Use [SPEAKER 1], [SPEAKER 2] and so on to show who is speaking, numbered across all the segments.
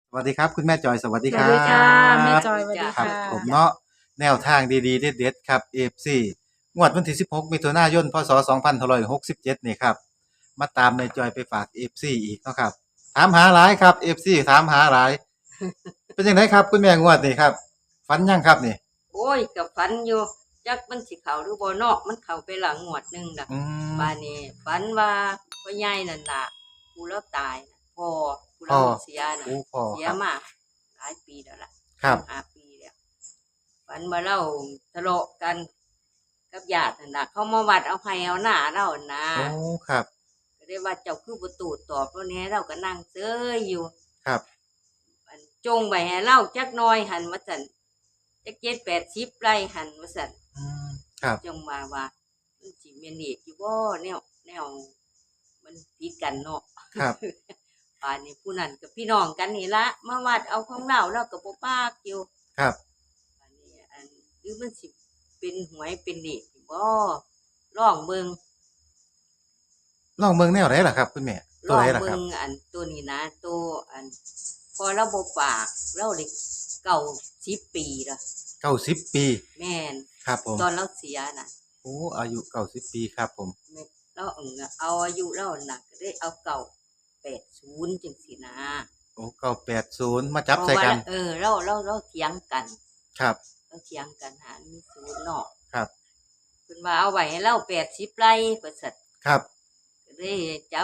[SPEAKER 1] สวัสดีครับคุณแม่จอยสวัสดีครั
[SPEAKER 2] สวัสดีค่ะแม่
[SPEAKER 1] บ
[SPEAKER 2] จอยสวัสดี
[SPEAKER 1] ครับ
[SPEAKER 2] ค่ะ
[SPEAKER 1] ผมเนาะแนวทางดีๆเด็ดๆครับเอฟซีงวดวันที่16มิถุนายนพศ2567นี่ครับมาตามแม่จอยไปฝากเอฟซีอีกเนาะครับถามหาหลายครับเอฟซีถามหาหลายเป็นยังไงครับคุณแม่งวดนี่ครับฝันยังครับนี่
[SPEAKER 3] โอ้ยกับฝันอยู่จักมันสิเข้าหรือบ่เนาะมันเข้าไปหลังงวดหนึงน่ะ
[SPEAKER 1] อืม
[SPEAKER 3] บ้านนี้ฝันว่าพ่อใหญ่นั่นน่ะผู้เลาตายน่ะพ่อผู้
[SPEAKER 1] พ่อ
[SPEAKER 3] เลาเสียน่ะ
[SPEAKER 1] โอ้พ่อ
[SPEAKER 3] เสี
[SPEAKER 1] ครับ
[SPEAKER 3] ยมาหลายปีแล้วล่ะ
[SPEAKER 1] ครับ
[SPEAKER 3] 5 ปีแล้วฝันว่าเราทะเลาะกันกับญาตินั่นน่ะเขามาวัดเอาให้เอาหน้าเราน่ะ
[SPEAKER 1] โอ้ครับ
[SPEAKER 3] ก็เลยว่าเจ้าคือบ่ตูดตอบเราแหน่เราก็นั่งเฉยอยู่
[SPEAKER 1] ครับ
[SPEAKER 3] อันจงไว้ให้เราจักหน่อยหันว่าซั่นจัก7-80ไร่หันว่าซั่น
[SPEAKER 1] อืมครับ
[SPEAKER 3] จงว่ามันสิแม่นเอกอยู่บ่แนวมันผิดกันเนาะ
[SPEAKER 1] ครับ
[SPEAKER 3] ป่านนี้ผู้นั้นกับพี่น้องกันนี่ละมาวัดเอาของเราก็บ่ปากอยู่
[SPEAKER 1] ครับ
[SPEAKER 3] ป่านนี้หรือมันสิเป็นหวยเป็นเลขอยู่บ่ลองเบิ่ง
[SPEAKER 1] ลองเบิ่งแนวไหนล่ะครับคุณแม่
[SPEAKER 3] ล
[SPEAKER 1] ตัวไหน
[SPEAKER 3] อง
[SPEAKER 1] ล่ะค
[SPEAKER 3] เบิ่ง
[SPEAKER 1] รับ
[SPEAKER 3] ตัวนี้นะตัวพอเราบ่ปากเราได้เก่า10ปีละ
[SPEAKER 1] 90ปี
[SPEAKER 3] แม่น
[SPEAKER 1] ครับผม
[SPEAKER 3] ตอนเราเสียน่ะ
[SPEAKER 1] โอ้อายุ90ปีครับผม
[SPEAKER 3] แม่เราเอาอายุเราน่ะก็ได้เอาเก่า80จังซี่นะ
[SPEAKER 1] โอ้980มาจับ
[SPEAKER 3] เพราะ
[SPEAKER 1] ใส่
[SPEAKER 3] ว่า
[SPEAKER 1] กัน
[SPEAKER 3] เราเถียงกัน
[SPEAKER 1] ครับ
[SPEAKER 3] เราเถียงกันหามีศูนย์เนาะ
[SPEAKER 1] ครับ
[SPEAKER 3] เพิ่นว่าเอาไว้ให้เรา80ไร่ว่าซั่น
[SPEAKER 1] ครับ
[SPEAKER 3] ก็เลยจับ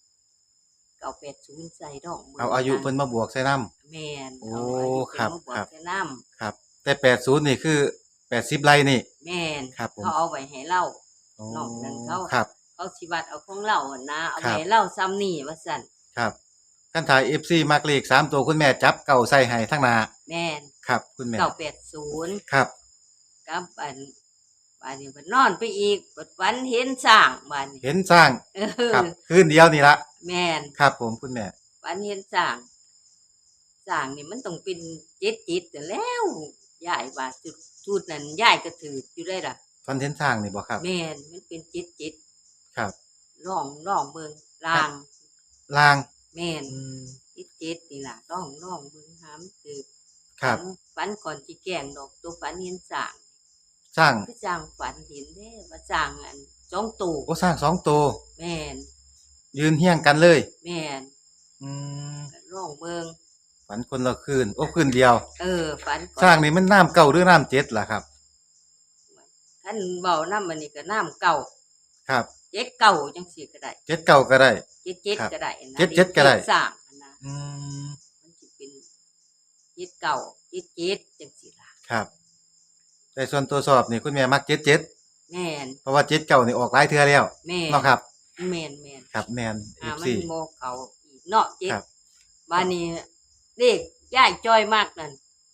[SPEAKER 3] 980ใส่ดอก
[SPEAKER 1] เอาอายุเพิ่นมาบวกใส่นำ
[SPEAKER 3] แม่น
[SPEAKER 1] โอ้
[SPEAKER 3] เอาอายุ
[SPEAKER 1] ครับ
[SPEAKER 3] เพิ่นมาบว
[SPEAKER 1] ครับ
[SPEAKER 3] กใส่นำ
[SPEAKER 1] ครับแต่80นี่คือ80ไร่นี่
[SPEAKER 3] แม่น
[SPEAKER 1] ครับผม
[SPEAKER 3] เขาเอาไว้ให้เรา
[SPEAKER 1] โอ้
[SPEAKER 3] นอกนั้น
[SPEAKER 1] ครับ
[SPEAKER 3] เขาสิวัดเอาของเราอะนะเอา
[SPEAKER 1] ครับ
[SPEAKER 3] ไว้ให้เราซ้ำนี่ว่าซั่น
[SPEAKER 1] ครับคันถ่าย FC มักเลข3ตัวคุณแม่จับเก่าใส่ให้ทั้งหน้า
[SPEAKER 3] แม่น
[SPEAKER 1] ครับคุณแม่
[SPEAKER 3] 980
[SPEAKER 1] ครับ
[SPEAKER 3] กับบ้านนี้เพิ่นนอนไปอีกเปิดฝันเห็นช้างบ้านนี้
[SPEAKER 1] เห็นสร้าง
[SPEAKER 3] เอ
[SPEAKER 1] ครับ
[SPEAKER 3] อ
[SPEAKER 1] คืนเดียวนี่ละ
[SPEAKER 3] แม่น
[SPEAKER 1] ครับผมคุณแม่
[SPEAKER 3] ฝันเห็นช้างนี่มันต้องเป็นเจ็ดจิตนั่นแหล้วยายว่าจุดนั้นยายก็ถืออยู่ได้ล่ะ
[SPEAKER 1] ฟันเห็นสร้างนี่บ่ครับ
[SPEAKER 3] แม่นมันเป็นเจ็ดจิต
[SPEAKER 1] ครับ
[SPEAKER 3] ลองเบิ่งลาง
[SPEAKER 1] ลาง
[SPEAKER 3] แม่น
[SPEAKER 1] อืม
[SPEAKER 3] เจ็ดนี่ล่ะลองเบิ่งหามถือ
[SPEAKER 1] ครับ
[SPEAKER 3] ฝันก่อนสิแกล้งดอกตัวฝันเห็นช้าง
[SPEAKER 1] สร้าง
[SPEAKER 3] คือช้างฝันเห็นเด้ว่าช้างสองตัว
[SPEAKER 1] โอ้สร้าง2ตัว
[SPEAKER 3] แม่น
[SPEAKER 1] ยืนเฮี้ยงกันเลย
[SPEAKER 3] แม่น
[SPEAKER 1] อืม
[SPEAKER 3] ลองเบิ่ง
[SPEAKER 1] ฝันคนละคืนโอ้คืนเดียว
[SPEAKER 3] ฝันก่อ
[SPEAKER 1] สร้าง
[SPEAKER 3] น
[SPEAKER 1] นี่มันน้ำเก่าหรือน้ำเจ็ดล่ะครับ
[SPEAKER 3] คันเว้านำอันนี้ก็น้ำเก่า
[SPEAKER 1] ครับ
[SPEAKER 3] เจ็ดเก่าจังซี่ก็ได้
[SPEAKER 1] เจ็ดเก่าก็ได้
[SPEAKER 3] เจ็ด
[SPEAKER 1] ครับ
[SPEAKER 3] ก็ได้นะ
[SPEAKER 1] เจ็ดเจ็ดก็ได้
[SPEAKER 3] เลขสร้างอะนะ
[SPEAKER 1] อืม
[SPEAKER 3] มันสิเป็นเจ็ดเก่าเจ็ดจังซี่ล่ะ
[SPEAKER 1] ครับแต่ส่วนตัวสอบนี่คุณแม่มักเจ็ดเจ็ด
[SPEAKER 3] แม่น
[SPEAKER 1] เพราะว่าเจ็ดเก่านี่ออกหลายเทื่อแล้ว
[SPEAKER 3] แม่น
[SPEAKER 1] เนาะครับ
[SPEAKER 3] แม่น
[SPEAKER 1] ครับแม่น
[SPEAKER 3] มัน
[SPEAKER 1] FC
[SPEAKER 3] บ่เก่าอีกเนาะเจ็ด
[SPEAKER 1] ครับ
[SPEAKER 3] บัดนี้เลขยายจ้อยมากนั่น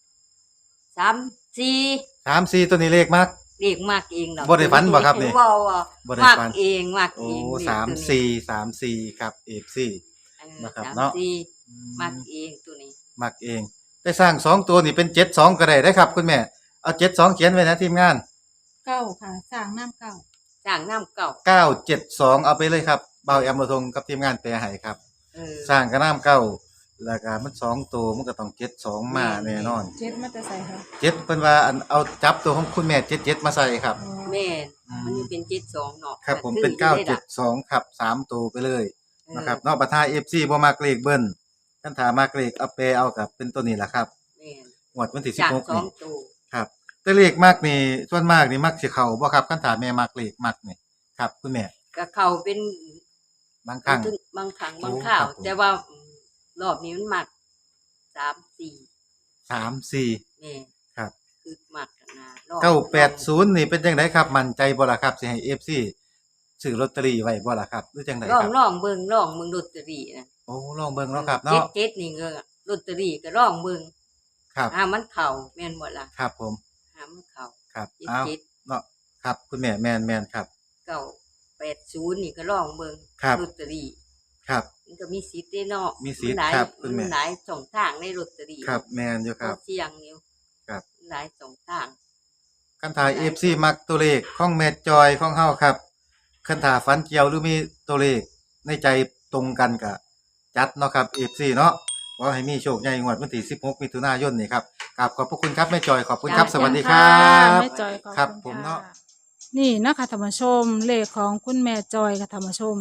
[SPEAKER 3] 3 4
[SPEAKER 1] 3 4ตัวนี้เลขมัก
[SPEAKER 3] เลขมากเองเนาะ
[SPEAKER 1] บ่ได้ฝันบ่ครับนี่
[SPEAKER 3] บ่
[SPEAKER 1] บ่ได้
[SPEAKER 3] มาก
[SPEAKER 1] ฝัน
[SPEAKER 3] เองมาก
[SPEAKER 1] โอ้
[SPEAKER 3] เองเลข
[SPEAKER 1] สาม
[SPEAKER 3] ตัวนี้
[SPEAKER 1] สี่สามสี่ครับ FC นะครับเนาะ
[SPEAKER 3] 3 4
[SPEAKER 1] อื
[SPEAKER 3] มากเองตัวนี้
[SPEAKER 1] มักเองได้สร้าง2ตัวนี่เป็น72ก็ได้เด้อครับคุณแม่เอา72เขียนไว้นะทีมงาน
[SPEAKER 2] เก้าค่ะสร้างน้ำเก้า
[SPEAKER 3] สร้างน้ำเก่า
[SPEAKER 1] 972เอาไปเลยครับเบาแอมระทงกับทีมงานแปลให้ครับสร้างกระน้ำเก้าแล้วก็มัน2ตัวมันก็ต้อง72มาแน่นอน
[SPEAKER 2] เจ็ดมาแต่ใส่ค่ะ
[SPEAKER 1] เจ็ดเพิ่นว่าอันเอาจับตัวของคุณแม่77มาใส่ครับ
[SPEAKER 3] แม่นมันนี่เป็น72เนาะ
[SPEAKER 1] ครับผม
[SPEAKER 3] ก็
[SPEAKER 1] เป็น
[SPEAKER 3] คืออยู่ได้ล่ะ
[SPEAKER 1] 972ครับ3ตัวไปเลย
[SPEAKER 3] เออ
[SPEAKER 1] นะครับเนาะบัดท้าย FC บ่มักเลขเบิ้นคันถ้ามักเลขเอาไปเอากับเป็นตัวนี้ล่ะครับ
[SPEAKER 3] แม่น
[SPEAKER 1] งวดวันที่
[SPEAKER 3] จาก
[SPEAKER 1] 16
[SPEAKER 3] สอ
[SPEAKER 1] นี่
[SPEAKER 3] งตัว
[SPEAKER 1] ครับแต่เลขมักนี่ส่วนมากนี่มักสิเข้าบ่ครับคันถ้าแม่มักเลขมักนี่ครับคุณแม่
[SPEAKER 3] ก็เข้าเป็น
[SPEAKER 1] บางครั้ง
[SPEAKER 3] บางครั้ง
[SPEAKER 1] โอ้
[SPEAKER 3] บางคราว
[SPEAKER 1] ครับผม
[SPEAKER 3] แต่ว่ารอบนี้มันมัก3 4
[SPEAKER 1] 3 4
[SPEAKER 3] แม่น
[SPEAKER 1] ครับ
[SPEAKER 3] คือมักกันนะรอบ
[SPEAKER 1] 980นี่เป็นจังไดครับ มั่นใจบ่ล่ะครับสิให้ FC ซื้อลอตเตอรี่ไว้บ่ล่ะครับหรือจังไดครับ
[SPEAKER 3] ลองเบิ่งลอตเตอรี่นะ
[SPEAKER 1] โอ้ลองเบิ่งเนาะครับเนาะ
[SPEAKER 3] เจ็ดนี่ก็ลอตเตอรี่ก็ลองเบิ่ง
[SPEAKER 1] ครับ
[SPEAKER 3] มันเข้าแม่นบ่ล่ะ
[SPEAKER 1] ครับผม
[SPEAKER 3] มันเข้า
[SPEAKER 1] ครับอ้าว
[SPEAKER 3] เจ็ด
[SPEAKER 1] เนาะครับคุณแม่แม่นๆครับ
[SPEAKER 3] 980นี่ก็ลองเบิ่ง
[SPEAKER 1] ครับ
[SPEAKER 3] ลอตเตอรี่
[SPEAKER 1] ครับ
[SPEAKER 3] มันก็มีสิทธิ์เด้เนาะ
[SPEAKER 1] มีสิทธิ์
[SPEAKER 3] นหลาย
[SPEAKER 1] ครับคุณแม่
[SPEAKER 3] นหลายช่องทางในลอตเตอรี่
[SPEAKER 1] ครับแม่นอยู่ครับ
[SPEAKER 3] ก็เสี่ยงอยู่
[SPEAKER 1] ครับ
[SPEAKER 3] หลายช่องทาง
[SPEAKER 1] คันถ่าย FC มักตัวเลขของแม่จอยของเฮาครับคันถ่าฝันเกี่ยวหรือมีตัวเลขในใจตรงกันก็จัดเนาะครับ FC เนาะขอให้มีโชคใหญ่งวดวันที่16มิถุนายนนี่ครับกราบขอบพระคุณครับแม่จอยขอบคุณครับสวัสดีครั
[SPEAKER 2] ะ
[SPEAKER 1] บ
[SPEAKER 2] แม่จอยขอบ
[SPEAKER 1] ครับ
[SPEAKER 2] คุณ
[SPEAKER 1] ผม
[SPEAKER 2] ค่ะ
[SPEAKER 1] เนาะ
[SPEAKER 2] นี่นะคะธรรมชมเลขของคุณแม่จอยค่ะธรรมชม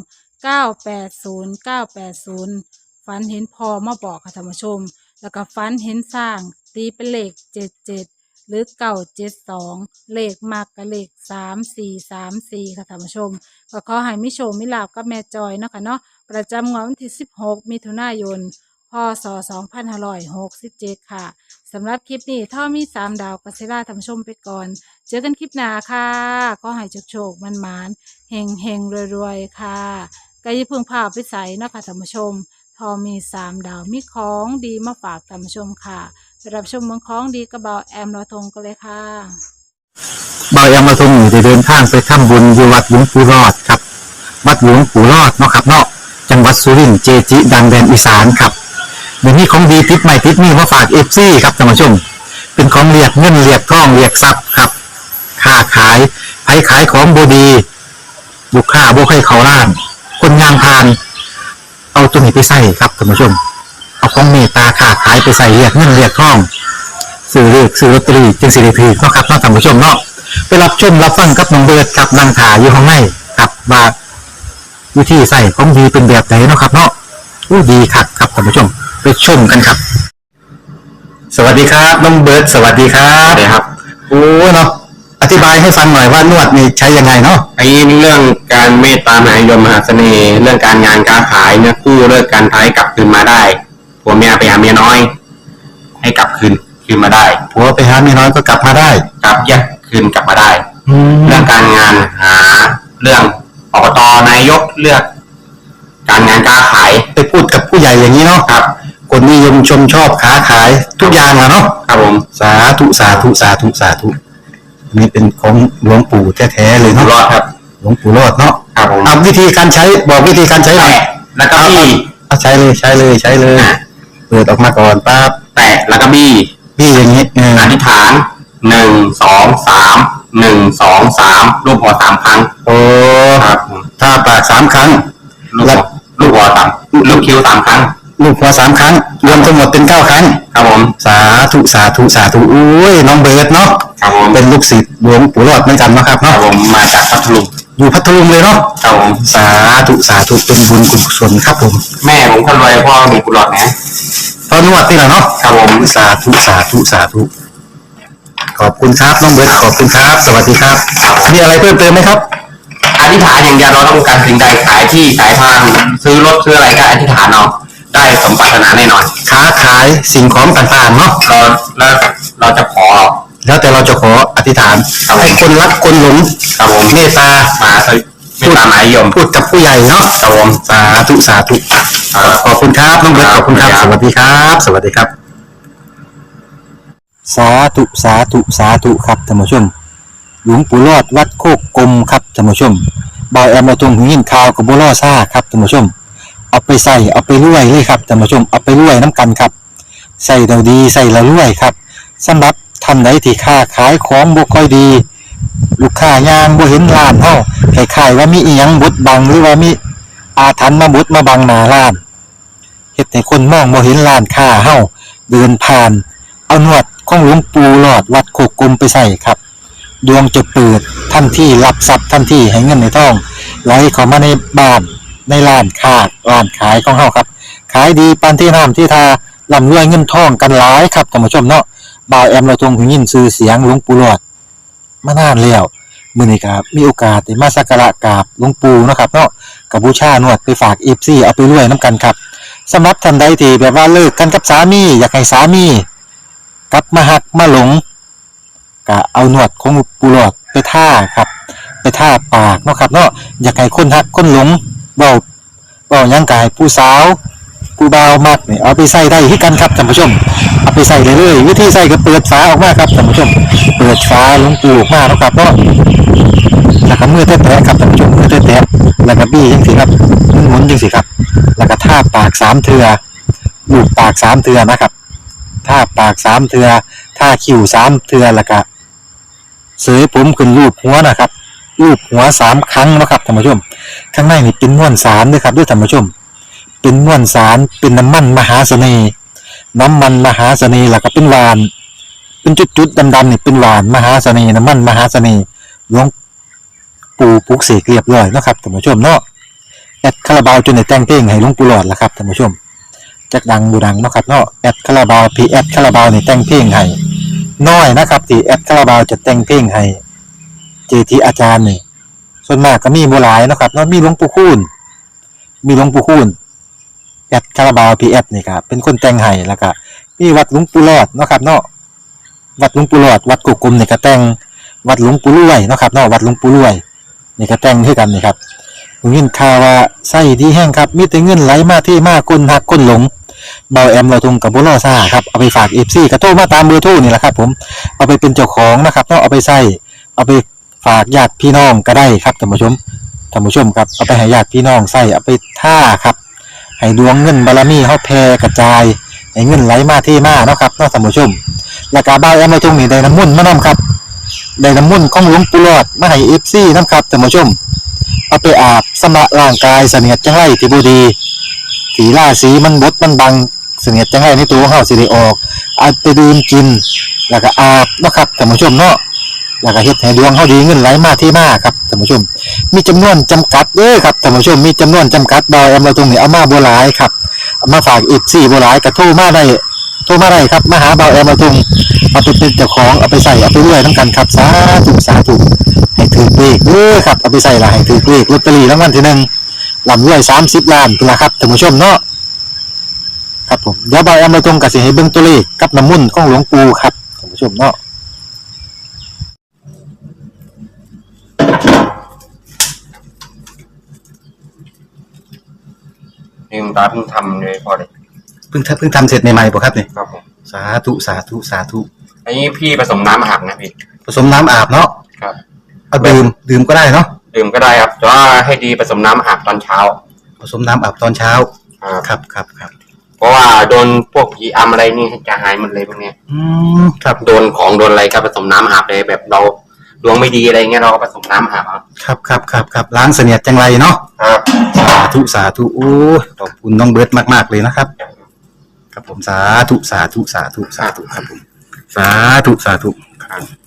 [SPEAKER 2] 980980ฝันเห็นพอมาบอกค่ะธรรมชม แล้วก็ฝันเห็นสร้างตีเป็นเลข77หรือ972เลขมากกับเลข3434ค่ะธรรมชมก็ขอให้มิโชคมิลาภกับแม่จอยเนาะค่ะเนาะประจำงวดวันที่16มิถุนายนพศ2567ค่ะสำหรับคลิปนี้ถ้ามี3ดาวกัสซิล่าธรรมชมไปก่อน เจอกันคลิปหน้าค่ะก็ให้โชคมันหมานๆเฮงรวยๆค่ะก็อย่าเพึ่งพาไปใส่เนาะคะท่านผู้ชม ทอมี3ดาวมีของดีมาฝากท่านผู้ชมค่ะไปรับชมเมืองของดีกระเบาแอมรอทงกันเลยค่ะ
[SPEAKER 4] บายามาทรงอยู่ได้เดินทางไปทำบุญอยู่วัดหลวงปู่รอดครับวัดหลวงปู่รอดเนาะครับเนาะจังหวัดสุรินทร์เจจิ ดังแดนอีสานครับเดี๋ยวนี้ของดีติดใหม่ติดนี่มาฝากเอฟซีครับท่านผู้ชม เป็นของเรียกเงินเรียกทองเรียกทรัพย์ครับค้าขายไผขายของบดีลูกค้าบ่ให้เขาล้าน คนงานพาน เอาตัวนี้ไปใส่ครับท่านผู้ชม เอาของเมตตาค้าขายไปใส่เรียกเงินเรียกทองซื้อเลือกซื้อลอตเตอรี่จึงสิริพีเนาะครับเนาะท่านผู้ชมเนาะไปรับชมรับฟังกับน้องเบิร์ดกับนางถาอยู่ข้างในกับว่าวิธีใส่ของดีเป็นแบบไหนเนาะครับเนาะอู้ดีครับครับท่านผู้ชมไปชมกันครับ สวัสดีครับน้องเบิร์ดสวัสดีครับสวัสดีครับโอ้เนาะอธิบายให้ฟังหน่อยว่านวดนี่ใช้ยังไงเนาะ
[SPEAKER 5] ไอ้เรื่องการเมตตามหานิยมมหาเสน่ห์ เรื่องการงานการขายเนี่ยกู้เลิกการท้ายกลับคืนมาได้ผัวเมียไปหาเมียน้อย ให้กลับคืนมาได้
[SPEAKER 4] ผัวไปหาเมียน้อยก็กลับมาได้
[SPEAKER 5] กลับแยกคืนกลับมาได้
[SPEAKER 4] แล้
[SPEAKER 5] เรื่
[SPEAKER 4] ว
[SPEAKER 5] องการงานหาเรื่องอบตนายกเลือก การงานการขาย
[SPEAKER 4] ไปพูดกับผู้ใหญ่อย่างนี้เนาะ
[SPEAKER 5] ครับ
[SPEAKER 4] คนนิยมชมชอบค้าขายทุกอย่างอะเนาะ
[SPEAKER 5] ครับผม
[SPEAKER 4] สาธุสาธุสาธุสาธุอันนี้เป็นของหลวงปู่แท้ๆเลย
[SPEAKER 5] อยู่
[SPEAKER 4] เนาะ
[SPEAKER 5] รอดครับ
[SPEAKER 4] หลวงปู่รอดเนาะ
[SPEAKER 5] ครับผม
[SPEAKER 4] เอาวิธีการใช้บอกวิธีการใช้หน่อย
[SPEAKER 5] แตะแล้วก็บี้
[SPEAKER 4] เอาใช้เลยใช้เลยใช้เลยเปิดออกมาก่อนปั๊บ
[SPEAKER 5] แตะแล้วก็บี้
[SPEAKER 4] พี่อย่างนี้
[SPEAKER 5] อธิษฐาน1 2 3 1 2 3รูปหัว3ครั้ง
[SPEAKER 4] โอ้
[SPEAKER 5] ครับผม
[SPEAKER 4] ถ้าปาก3 ครั้ง
[SPEAKER 5] ลูกหัวสามลูกคิ้ว3 ครั้ง
[SPEAKER 4] ลูกหัว3 ครั้ง รวมทั้งหมดเป็น9 ครั้ง
[SPEAKER 5] ครับผม
[SPEAKER 4] สาธุสาธุสาธุอุ้ยน้องเบิร์ดเนาะ
[SPEAKER 5] ครับผม
[SPEAKER 4] เป็นลูกศิษย์หลวงปู่รอดเหมือนกันเนาะครับ
[SPEAKER 5] ครั
[SPEAKER 4] เนาะ
[SPEAKER 5] บผมมาจากพัทลุง
[SPEAKER 4] อยู่พัทลุงเลยเนาะ
[SPEAKER 5] ครับผม
[SPEAKER 4] สาธุสาธุเป็นบุญกุศลครับผม
[SPEAKER 5] แม่ผมคนรวยพ่อมีกุหลาบนะ
[SPEAKER 4] ตอนนวดนี่แหละเนาะ
[SPEAKER 5] ครับผม
[SPEAKER 4] สาธุสาธุสาธุขอบคุณครับน้องเบิร์ดขอบคุณครับ สวัสดีครับมีอะไรเพิ่มเติมไหมครับ
[SPEAKER 5] อธิษฐานอย่างเดียวเราต้องการสิ่งใดขายที่ขายทางซื้อรถซื้ออะไรก็อธิษฐานเอาได้สมปรารถนาแน่นอน
[SPEAKER 4] ค้าขายสิ่งของต่างๆเนาะ
[SPEAKER 5] เราจะขอ
[SPEAKER 4] แล้วแต่เราจะขออธิษฐานให้คนรักคนหลง
[SPEAKER 5] ครับผม
[SPEAKER 4] เมตตา
[SPEAKER 5] มาไม่ตามหมายยม
[SPEAKER 4] พูดกับผู้ใหญ่เนาะ
[SPEAKER 5] ครับผม
[SPEAKER 4] สาธุสาธุขอบคุณครับน้องเบิร์ตขอบคุณครับ สวัสดีครับ สวัสดีครับ สาธุสาธุสาธุครับท่านผู้ชม หลวงปู่รอดวัดโคกกลมครับท่านผู้ชมบอยแอมมาตรงหินข่าวกับบัวล่อซ่าครับท่านผู้ชม เอาไปใส่เอาไปรวยเลยครับท่านผู้ชมเอาไปรวยน้ำกันครับใส่เราดีใส่เรารวยครับสำหรับท่านใดที่ค้าขายของบ่ค่อยดี ลูกค้ายางบ่เห็นร้านเฮาคล้ายๆว่ามีอีหยังบดบังหรือว่ามีอาถรรพ์มาบดมาบังหน้าร้านเฮ็ดให้คนมองบ่เห็นร้านค้าเฮาเดินผ่านเอาหนวดของหลวงปู่หลอดวัดโคกกลมไปใส่ครับดวงจะเปิดทันทีรับทรัพย์ทันทีให้เงินในท้องไหลเข้ามาในบ้านในร้านค้าร้านขายของเฮาครับขายดีปานที่น้ำที่ทาร่ำรวยเงินทองกันหลายครับท่านผู้ชมเนาะบ่าวแอมเราทรงหูยินชื่อเสียงหลวงปู่หลอดมานานแล้วมื้อนี้ครับมีโอกาสได้มาสักการะกราบหลวงปู่เนาะครับเนาะกับบูชานวดไปฝาก FC เอาไปรวยนํกันครับสำหรับท่านใดที่แบบว่าเลิกกันกับสามีอยากให้สามีกลับมาหักมาหลงก็เอาหนวดของหลวงปู่หลอดไปท่าครับไปท่าปากเนาะครับเนาะอยากให้คนหักคนหลงเว้าหยังก็ให้ผู้สาวผู้บ่าวมักนี่เอาไปใส่ได้คือกันครับท่านผู้ชมเอาไปใส่เลยวิธีใส่ก็เปิดฝาออกมาครับท่านผู้ชมเปิดฝาหลวงปู่ออกมาเนาะครับเนาะแล้วก็มือแตะๆครับท่านผู้ชมมือแตะๆแล้วก็บี้จังซี่ครับหมุนจังซี่ครับแล้วก็ท่าปาก3เทื่อลูบปาก3เทื่อนะครับท่าปาก3เทื่อท่าคิ้ว3เทื่อแล้วก็เสยผมขึ้นรูปหัวนะครับรูปหัว3ครั้งเนาะครับท่านผู้ชมข้างในนี่เป็นมวลสารด้วยครับด้วยท่านผู้ชมเป็นมวลสารเป็นน้ำมันมหาเสน่ห์น้ำมันมหาเสน่ห์แล้วก็เป็นหวาน เป็นจุดๆดำๆนี่เป็นหวานมหาเสน่ห์น้ำมันมหาเสน่ห์หลวงปู่ปลุกเสกเรียบร้อยเนาะครับท่านผู้ชมเนาะแอดคาราบาวจนได้แต่งเพลงให้หลวงปู่หลอดแล้วครับท่านผู้ชมจักดังบูดังเนาะครับเนาะแอดคาราบาวพีแอดคาราบาวนี่แต่งเพลงให้น้อยนะครับที่แอดคาราบาวจะแต่งเพลงให้เจทีอาจารย์นี่ส่วนมากก็มีบ่หลายเนาะครับเนาะมีหลวงปู่คูณแอดคาราบาวพีแอดนี่ครับเป็นคนแต่งให้แล้วก็มีวัดหลวงปู่หลอดเนาะครับเนาะวัดหลวงปู่หลอดวัดกุกกลมนี่ก็แต่งวัดหลวงปู่รวยเนาะครับเนาะวัดหลวงปู่รวยนี่ก็แต่งคือกันนี่ครับผมยินข่าวว่าไส้ดีแห้งครับมีแต่เงินไหลมาที่มาคนหักคนหลงเบาแอมเราทงกับบุรอซ่าครับเอาไปฝาก FC ก็โทรมาตามเบอร์โทรนี่แหละครับผมเอาไปเป็นเจ้าของนะครับเนาะเอาไปใส่เอาไปฝากญาติพี่น้องก็ได้ครับท่านผู้ชมครับเอาไปให้ญาติพี่น้องใส่เอาไปท่าครับให้ดวงเงินบารมีเฮาแผ่กระจายให้เงินไหลมาที่มาเนาะครับเนาะท่านผู้ชมแล้วก็เบาแอมเราทงนี่ได้น้ำมนต์มานํครับได้น้ำมนต์ของหลวงปู่หลอดมาให้ FC นํครับท่านผู้ชมเอาไปอาบสำระร่างกายเสนียดจังไรที่บ่ดีสีราสีมันบดมันบังเสนียดจังไรในตัวของเฮาสิได้ออกเอาไปดื่มกินแล้วก็อาบเนาะครับท่านผู้ชมเนาะแล้วก็เฮ็ดให้ดวงเฮาดีเงินไหลมาที่มาครับท่านผู้ชมมีจำนวนจำกัดเด้อครับท่านผู้ชมมีจำนวนจำกัดดอยเอามาตรงนี้เอามาบ่หลายครับเอามาฝากอีก4บ่หลายก็โทรมาได้ครับมาหาเบาแอมมาตรงเอาไปเป็นเจ้าของเอาไปใส่เอาไปรวยนำกันครับสาธุให้ถือเลขเด้อครับเอาไปใส่ละให้ถือเลขลอตเตอรี่รางวัลที่1ลำรวย30ล้านพุ่นล่ะครับท่านผู้ชมเนาะครับผมเดี๋ยวเบาแอมมาตรงก็สิให้เบิ่งตัวเลขกับน้ำมนต์ของหลวงปู่ครับท่านผู้ชมเนาะ
[SPEAKER 5] นี่คุณตาเพิ่งทำเลยพอเลย
[SPEAKER 4] เพิ่งทำเสร็จใหม่ๆป่ะครับเนี่ย
[SPEAKER 5] ครับผม
[SPEAKER 4] สาธุ
[SPEAKER 5] อันนี้พี่ผสมน้ำอาบนะพี่
[SPEAKER 4] ผสมน้ำอาบเนาะ
[SPEAKER 5] ครับ
[SPEAKER 4] เอาดื่มก็ได้เนาะ
[SPEAKER 5] ดื่มก็ได้ครับแต่ว่าให้ดีผสมน้ำอาบตอนเช้า
[SPEAKER 4] ผสมน้ำอาบตอนเช้า
[SPEAKER 5] ครับ
[SPEAKER 4] ครับ
[SPEAKER 5] เพราะว่าโดนพวกผีอำอะไรนี่จะหายหมดเลยพวกเนี้ย
[SPEAKER 4] ครับ
[SPEAKER 5] โดนของโดนอะไรก็ผสมน้ำอาบเลยแบบเราดวงไม่ดีอะไรเงี้ยเราก็ผสมน้ำอาบ
[SPEAKER 4] ครับล้างเสนียดจังไรเนาะ
[SPEAKER 5] ครับ
[SPEAKER 4] สาธุโอ้ขอบคุณน้องเบิร์ตมากๆเลยนะครับครับผมสาธุครับผมสาธุ